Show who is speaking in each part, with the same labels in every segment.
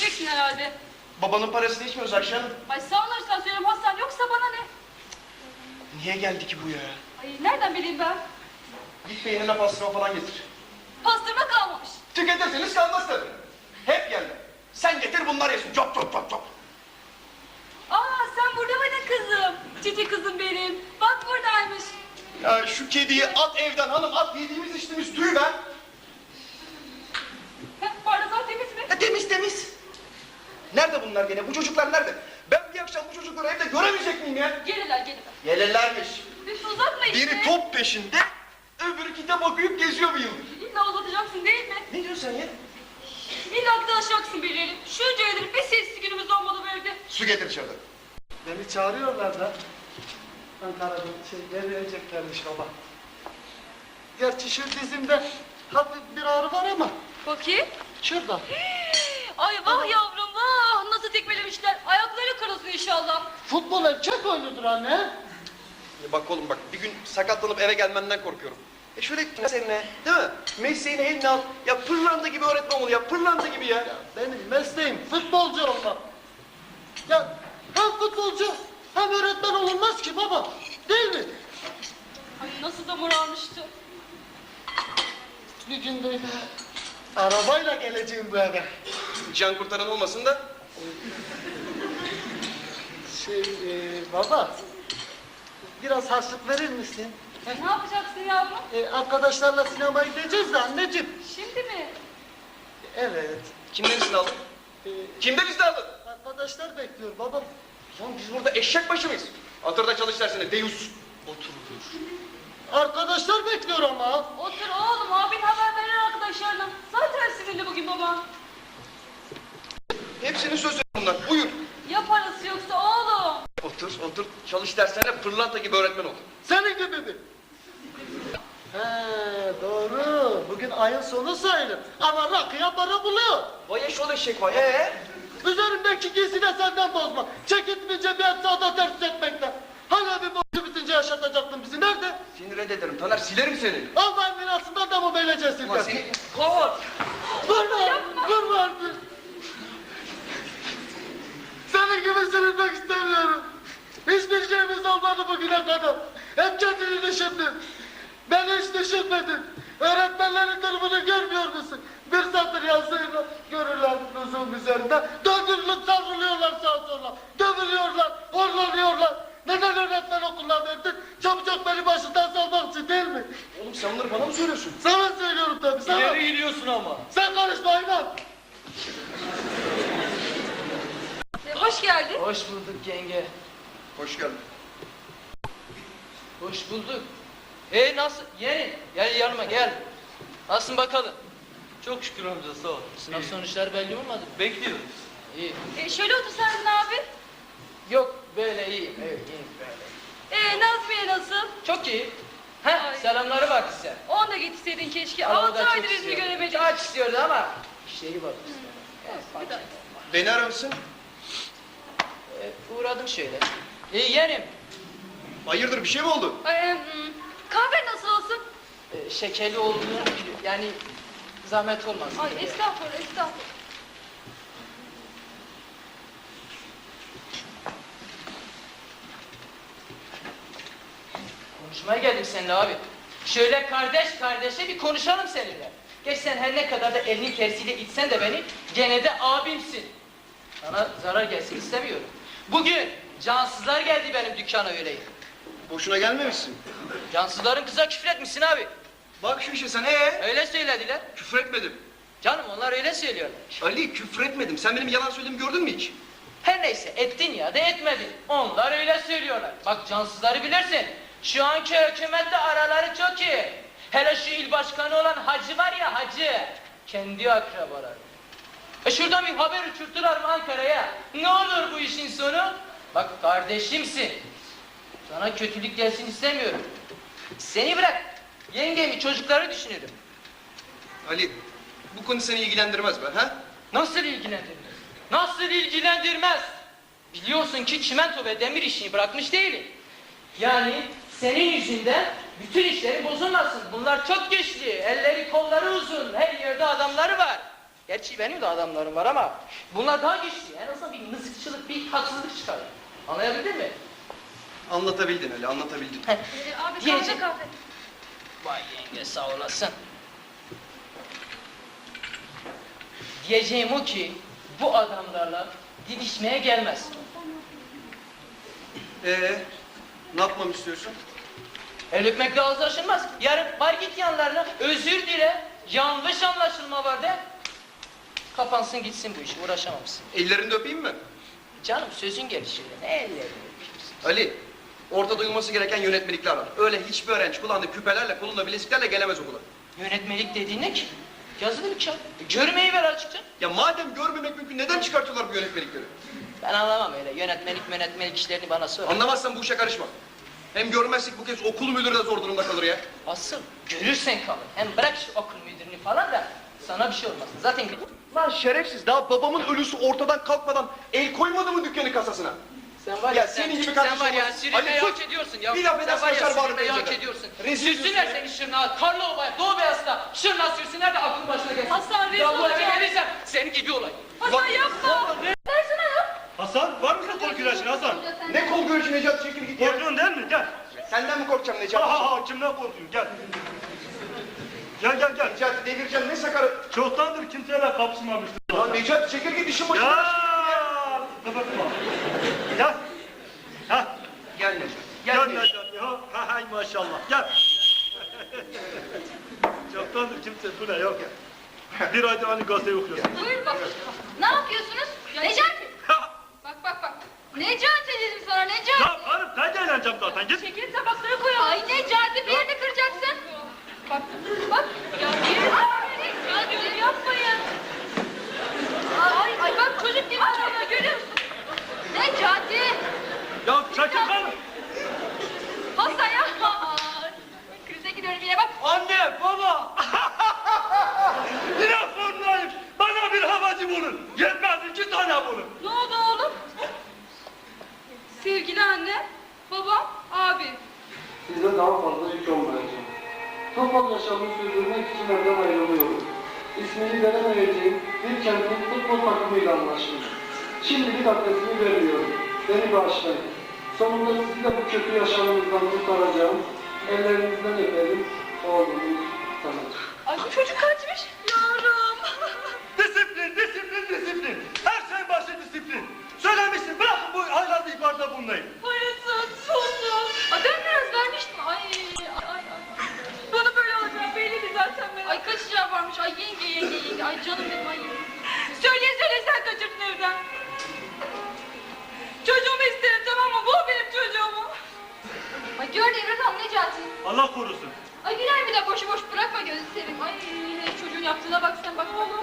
Speaker 1: söyleyeceksin herhalde.
Speaker 2: Babanın parasını içmiyoruz akşam.
Speaker 1: Ay sağ olursan söyleyeyim Hasan, yoksa bana ne?
Speaker 2: Niye geldi ki bu ya?
Speaker 1: Ay nereden bileyim ben?
Speaker 2: Git beynine pastırma falan getir.
Speaker 1: Pastırma kalmamış.
Speaker 2: Tüketirseniz kalmaz tabii. Hep yerler. Sen getir bunlar yesin. Çok çok çok çok.
Speaker 1: Aa sen burada mıydın kızım? Cici kızım benim. Bak buradaymış.
Speaker 2: Ya şu kediyi at evden hanım, at, yediğimiz içtiğimiz tüy ver.
Speaker 1: Bardağı temiz mi?
Speaker 2: Temiz temiz. Nerede bunlar gene? Bu çocuklar nerede? Ben bir akşam bu çocukları evde göremeyecek miyim ya?
Speaker 1: Gelirler.
Speaker 2: Gelirlermiş.
Speaker 1: Üf uzatma işte.
Speaker 2: Biri top peşinde, öbürü kitap okuyup geziyor bir yıldır.
Speaker 1: İlla uzatacaksın değil mi?
Speaker 2: Ne diyorsun sen ya?
Speaker 1: İlla tanışacaksın birileri. Şunca yıldır bir sessiz günümüz olmadı bu evde.
Speaker 2: Su getir içeriden.
Speaker 3: Beni çağırıyorlar da Ankara'da vereceklermiş baba. Gerçi şu dizimde hafif bir ağrı var ama
Speaker 1: Bakayım.
Speaker 3: şurada.
Speaker 1: Ay vah yavrum vah. Nasıl tekmelemişler. Ayakları kırılsın inşallah.
Speaker 3: Futbol erkek oyunudur anne.
Speaker 2: Bak oğlum bak, bir gün sakatlanıp eve gelmenden korkuyorum. Şöyle seninle, değil mi? Mesleğini eline al. Ya pırlanta gibi öğretmen ol ya, pırlanta gibi ya.
Speaker 3: Benim mesleğim futbolcu olmak. Ya hem futbolcu hem öğretmen olunmaz ki baba. Değil mi?
Speaker 1: Ay nasıl da morarmıştı.
Speaker 3: Bir gün böyle arabayla geleceğim bu eve.
Speaker 2: Can kurtaran olmasın da.
Speaker 3: Baba biraz harçlık verir misin?
Speaker 1: Ne yapacaksın yavrum?
Speaker 3: Arkadaşlarla sinemaya gideceğiz de anneciğim.
Speaker 1: Şimdi mi?
Speaker 3: Evet.
Speaker 2: Kimden izin aldın? Kimden izin aldın?
Speaker 3: Arkadaşlar bekliyor baba.
Speaker 2: Lan biz burada eşek başı mıyız? Atırda çalış dersine, deyus. Otur.
Speaker 3: Arkadaşlar bekliyor ama.
Speaker 1: Otur oğlum, abin haber verir arkadaşlarına. Zaten sinirli bugün baba.
Speaker 2: Hepsinin sözü bunlar, buyur.
Speaker 1: Ya parası yoksa oğlum?
Speaker 2: Otur. Çalış derslerine pırlanta gibi öğretmen ol.
Speaker 3: Senin gibi mi? He doğru. Bugün ayın sonu sayılır. Ama rakıya para buluyor.
Speaker 2: Vay eşol eşek vay.
Speaker 3: Üzerimdeki giysi de senden bozma. Çekitmeyince bir et sağda ters etmekten. Hala bir borcu bitince yaşatacaktın bizi. Nerede?
Speaker 2: Seni reddederim Taner, silerim seni.
Speaker 3: Allah'ın mirasından da mı böylece
Speaker 2: Ulan
Speaker 3: silkersin?
Speaker 2: seni... Kor!
Speaker 3: Vurma artık. Senin gibi sürünmek istemiyorum. Hiçbir şeyimiz olmadı bugüne kadar. Hep kendini düşündün. Ben hiç düşünmedim. Öğretmenlerin durumunu görmüyor musun? Bir satır yazıyla görürler lüzum üzerinde. Döndürülüp savruluyorlar sağa sola. Dövülüyorlar, horlanıyorlar. Neden öğretmen okuluna verdin? Çabucak beni başından salmak için değil mi?
Speaker 2: Oğlum sen bunları bana mı söylüyorsun?
Speaker 3: Sana söylüyorum tabii sana.
Speaker 4: İleri gidiyorsun ama.
Speaker 3: Sen karışma hayvan.
Speaker 1: Hoş geldin.
Speaker 4: Hoş bulduk yenge.
Speaker 2: Hoş geldin.
Speaker 4: Hoş bulduk. Nasıl? Yeğenim gel yanıma gel. Nasılsın bakalım?
Speaker 5: Çok şükür amca sağ ol.
Speaker 4: Sınav sonuçları belli olmadı mı?
Speaker 5: Bekliyoruz.
Speaker 4: İyi.
Speaker 1: Şöyle otursaydın abi.
Speaker 4: Yok böyle iyi. Evet iyi böyle.
Speaker 1: Nazmiye nasıl?
Speaker 4: Çok iyi.
Speaker 1: Ay.
Speaker 4: Selamları var size.
Speaker 1: Onu da getirseydin keşke.
Speaker 4: Ama o
Speaker 1: 6
Speaker 4: da çok
Speaker 1: aydır yüzünü
Speaker 4: istiyordu.
Speaker 1: göremedik.
Speaker 4: Çok istiyordu ama şeyi var.
Speaker 1: Bir dakika.
Speaker 2: Beni aramışsın.
Speaker 4: Uğradım şöyle. Yeğenim.
Speaker 2: Hayırdır, bir şey mi oldu?
Speaker 1: Kahve nasıl olsun?
Speaker 4: Şekerli olduğunu yani zahmet olmasın.
Speaker 1: Ay estağfurullah.
Speaker 4: Konuşmaya geldim seninle abi. Şöyle kardeş kardeşe bir konuşalım seninle. Geç sen her ne kadar da elinin tersiyle itsen de beni gene de abimsin. Sana zarar gelsin istemiyorum. Bugün cansızlar geldi benim dükkana öyle.
Speaker 2: Boşuna gelmemişsin.
Speaker 4: Cansızların kıza küfür etmişsin abi.
Speaker 2: Bak şu işe sen,
Speaker 4: Öyle söylediler.
Speaker 2: küfür etmedim.
Speaker 4: Canım onlar öyle söylüyorlar.
Speaker 2: Ali, küfür etmedim. Sen benim yalan söylediğimi gördün mü hiç?
Speaker 4: Her neyse ettin ya da etmedin. Onlar öyle söylüyorlar. Bak cansızları bilirsin. Şu anki hükümetle araları çok iyi. Hele şu il başkanı olan hacı var ya hacı. Kendi akrabaları. Şuradan bir haber uçurttular mı Ankara'ya? Ne olur bu işin sonu? Bak kardeşimsin. Sana kötülük gelsin istemiyorum. Seni bırak. Yengemi çocukları düşünürüm.
Speaker 2: Ali, bu konu seni ilgilendirmez be, ha?
Speaker 4: Nasıl ilgilendirmez? Nasıl ilgilendirmez? Biliyorsun ki çimento ve demir işini bırakmış değilim. Yani senin yüzünden bütün işleri bozulmasın. Bunlar çok güçlü, elleri kolları uzun, her yerde adamları var. Gerçi benim de adamlarım var ama bunlar daha güçlü. En azından bir mızıkçılık, bir haksızlık çıkar. Anlayabildin mi?
Speaker 2: Anlatabildin öyle, anlatabildin.
Speaker 1: Abi
Speaker 4: Diyecek.
Speaker 1: kahve.
Speaker 4: Vay yenge sağ olasın. Diyeceğim o ki bu adamlarla didişmeye gelmez.
Speaker 2: Ne yapmamı istiyorsun?
Speaker 4: El öpmekle ağız aşılmaz. Yarın var git yanlarına özür dile. Yanlış anlaşılma var de. Kapansın gitsin bu iş, uğraşamamışsın.
Speaker 2: Ellerini de öpeyim mi?
Speaker 4: Canım sözün gelişi. Ne ellerini öpüyorsun?
Speaker 2: Ali, orada duyulması gereken yönetmelikler var. Öyle hiçbir öğrenci kullandığı küpelerle, kolunda bileziklerle gelemez okula.
Speaker 4: Yönetmelik dediğin ne ki? Yazılı bir kağıt. Görmeyi ver açıkça.
Speaker 2: Ya madem görmemek mümkün, neden çıkartıyorlar bu yönetmelikleri?
Speaker 4: Ben anlamam öyle. Yönetmelik işlerini bana sor.
Speaker 2: Anlamazsan bu işe karışma. Hem görmezsek bu kez okul müdürü de zor durumda kalır ya.
Speaker 4: Asıl görürsen kalır. Hem bırak şu okul müdürünü falan da sana bir şey olmasın. Zaten
Speaker 2: Lan şerefsiz, daha babamın ölüsü ortadan kalkmadan el koymadı mı dükkanın kasasına?
Speaker 4: sen var
Speaker 2: Ya senin gibi kardeşim
Speaker 4: sen var ya
Speaker 2: olmaz.
Speaker 4: sürünmeyi
Speaker 2: Ali,
Speaker 4: hak
Speaker 2: sus!
Speaker 4: ediyorsun ya.
Speaker 2: Bir laf
Speaker 4: Sen
Speaker 2: edersen
Speaker 4: var ya
Speaker 2: açar bağrını
Speaker 4: sürünmeyi hak
Speaker 2: pencereden.
Speaker 4: ediyorsun.
Speaker 2: Rezil
Speaker 4: Sürsünler
Speaker 2: ediyorsun.
Speaker 4: seni Şırnak'a, Karlova'ya, Doğu Beyazıt'a. Şırnak sürsünler de aklın başına gelsin.
Speaker 1: Hasan, rezil
Speaker 4: Ya bu eve
Speaker 1: olacağım.
Speaker 4: gelirsen senin gibi olay.
Speaker 1: Hasan yapma. Versene ya.
Speaker 5: Hasan var mısın kol güreşine Hasan?
Speaker 2: Ne kol görüşü Necati, çekil git ya.
Speaker 5: Korkuyorsun değil mi? Gel.
Speaker 2: Senden mi korkacağım
Speaker 5: Ha
Speaker 2: Necati?
Speaker 5: ha ha kimden korkuyorsun? Gel. Gel.
Speaker 2: Necati devireceğim, ne sakarı.
Speaker 5: Çoktandır kimseyle kapışmamıştım.
Speaker 2: Lan Necati çekil git, işin başına.
Speaker 5: Ya. Kapatma. Gel. Ha.
Speaker 2: Gel Necati.
Speaker 5: Gel
Speaker 2: Necati.
Speaker 5: Necati. Ha hay maşallah. Gel. Çoktandır kimse bu ne yok ya. Bir ayda hani gazete okuyorsun.
Speaker 1: Buyur bak. Ne yapıyorsunuz? Necati. Bak. Necati dedim sana Necati.
Speaker 5: Ya karım sen de eğleneceğim zaten git.
Speaker 1: Çekil tabakları koyalım. Ay Necati bir yerde kıracaksın. Bak. Ya bir yerde yapmayın. Ay bak çocuk gibi çalıyor görüyor musun? Necati.
Speaker 5: Ya çekil karım.
Speaker 1: Hasan ya. Krize gidiyorum yine bak.
Speaker 5: Anne, baba! Yine sorunayım. Bana bir havacı bulun. Yetmez 2 tane bulun.
Speaker 1: Ne oldu oğlum? Sevgili anne, babam, abi.
Speaker 6: Size daha fazla yük olmayacağım. Topal yaşamını sürdürmek için evden ayrılıyorum. İsmini veremeyeceğim bir kentin futbol takımıyla anlaşmış. Şimdilik adresini vermiyorum. Beni bağışlayın. Sonunda sizi de bu kötü yaşamınızdan kurtaracağım. Ellerinizden öperim. Oğlunuz Samet.
Speaker 1: Ay bu çocuk kaçmış. Yavrum.
Speaker 5: Disiplin. Her şeyin başı disiplin. Söylemiştim, bırakın bu haylazlı ihbarda bulunayım.
Speaker 1: Parası, sonu. Ay ben biraz vermiştim. Ay. Bana böyle olacağı belliydi zaten ben. Ay kaçacağı varmış. Ay yenge. Ay canım benim ay. Söyle sen kaçırdın evden. Çocuğumu isterim tamam mı? Bu benim çocuğumu. Ay gör Devlet Han Necati.
Speaker 5: Allah korusun.
Speaker 1: Ay girer bir de boşu boş bırakma gözü seveyim. Ay çocuğun yaptığına bak sen bak oğlum.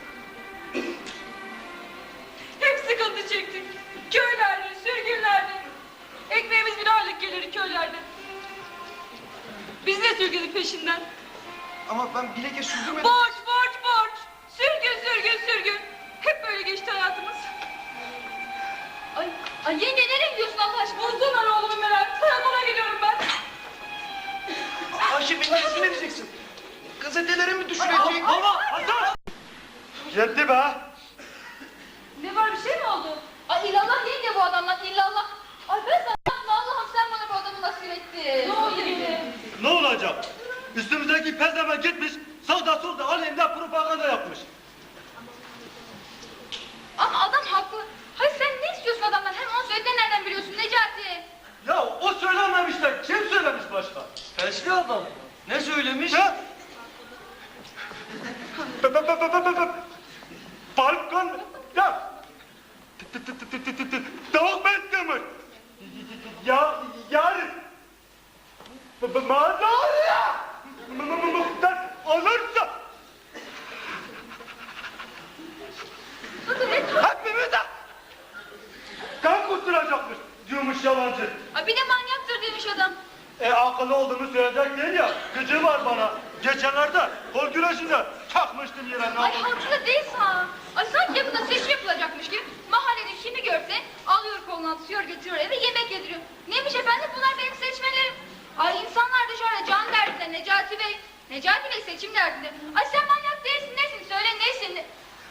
Speaker 1: Hep sıkıntı çektik. Köylerde, sürgünlerde. Ekmeğimiz bir ağırlık gelir köylerde. Biz de sürgünün peşinden.
Speaker 2: Ama ben bileke sürdürmedim.
Speaker 1: Borç. Sürgün. Hep böyle geçti hayatımız. Ay yenge nereye gidiyorsun Allah aşkına? Bulsunlar oğlumu merak. Karakola gidiyorum ben.
Speaker 2: Ayşe beni rezil edeceksin. Gazetelere mi düşürecek?
Speaker 5: Hasan! Yetti be.
Speaker 1: Ne var bir şey mi oldu? Ay illallah yenge bu adamlar illallah. Ay ben sana Allah'ım sen bana bu adamı nasip ettin. Ne oldu yine?
Speaker 5: Ne olacak? Üstümüzdeki pezeme gitmiş, sağda solda aleyhinde propaganda yapmış.
Speaker 1: Ama adam haklı. Hayır sen ne istiyorsun adamdan? Hem onu söylediğini nereden biliyorsun Necati?
Speaker 5: Ya o söylememiş de kim söylemiş başka?
Speaker 2: Fesli adam. Ne söylemiş?
Speaker 5: Ha? Balkon ya. Tavuk besliyormuş. Ya yarın. Madalya. Muhtar olursa. Hepimize kan kusturacakmış diyormuş yalancı.
Speaker 1: Ay bir de manyaktır demiş adam.
Speaker 5: Akıllı olduğumu söyleyecek değil ya. Gücü var bana. Geçenlerde kol güreşinde takmıştım yere.
Speaker 1: Ay haklı değilsin ha. Ay sanki yakında seçim yapılacakmış gibi mahallede kimi görse alıyor koluna atıyor götürüyor eve yemek yediriyor. Neymiş efendim bunlar benim seçmelerim. Ay insanlar dışarıda can derdinde Necati Bey. Necati Bey seçim derdinde. Ay sen manyak değilsin nesin söyle nesin?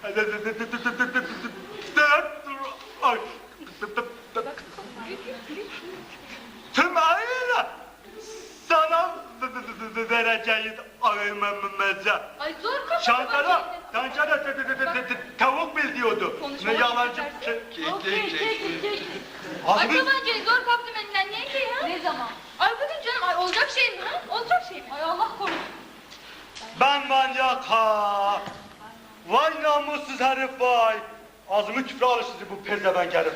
Speaker 5: Tüm aile sana vereceğiz ayımımıza.
Speaker 1: Ay zor kapatın.
Speaker 5: Şankara, tavuk bil diyordu. Ne yalancı şey.
Speaker 1: Kek.
Speaker 5: Az
Speaker 1: Ay
Speaker 5: mı?
Speaker 1: tabancayı zor kaptım elinden. Neydi ya? Ne zaman? Ay bugün canım. Ay olacak şey mi ha? Olacak şey mi? Ay Allah korusun.
Speaker 5: Ben manyak ha. Vay namussuz herif vay. Ağzımı küfre alır sizi bu pezevenk herif.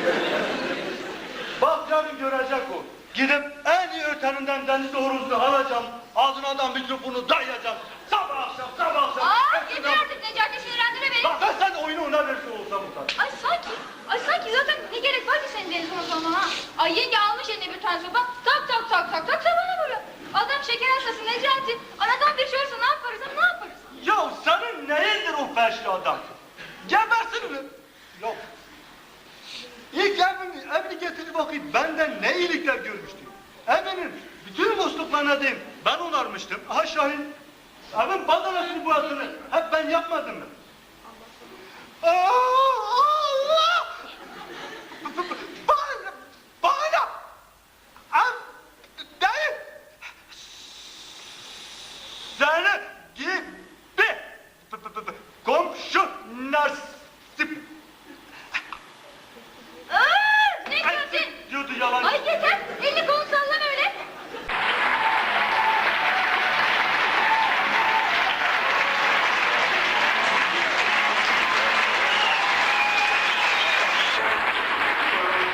Speaker 5: Bak yarın görecek o. Gidip en iyi öteninden deniz horozunu alacağım. Ağzına da mikrofonu dayayacağım. Sabah akşam.
Speaker 1: Yeter artık Necati sinirlendirme beni.
Speaker 5: Bak ben sen oyunu ona verse olsam utan.
Speaker 1: Ay sanki zaten ne gerek var ki senin deniz horozuna ha? Ay yenge almış eline bir tane sopa. Tak sabana vuruyor. Adam şeker hastası Necati. Anadan bir şey olursa ne yaparız ha? Ne yaparız?
Speaker 5: Ya senin neyindir o felçli adam? Gebersin mi? Yok. İlk evini getirip bakayım benden ne iyilikler görmüştü. Evinin bütün musluklarına diyeyim ben onarmıştım. Aha Şahin. Evin badanasını boyasını hep ben yapmadım mı? Allah! Bana! Ev değil! Seni gibi komşu nasip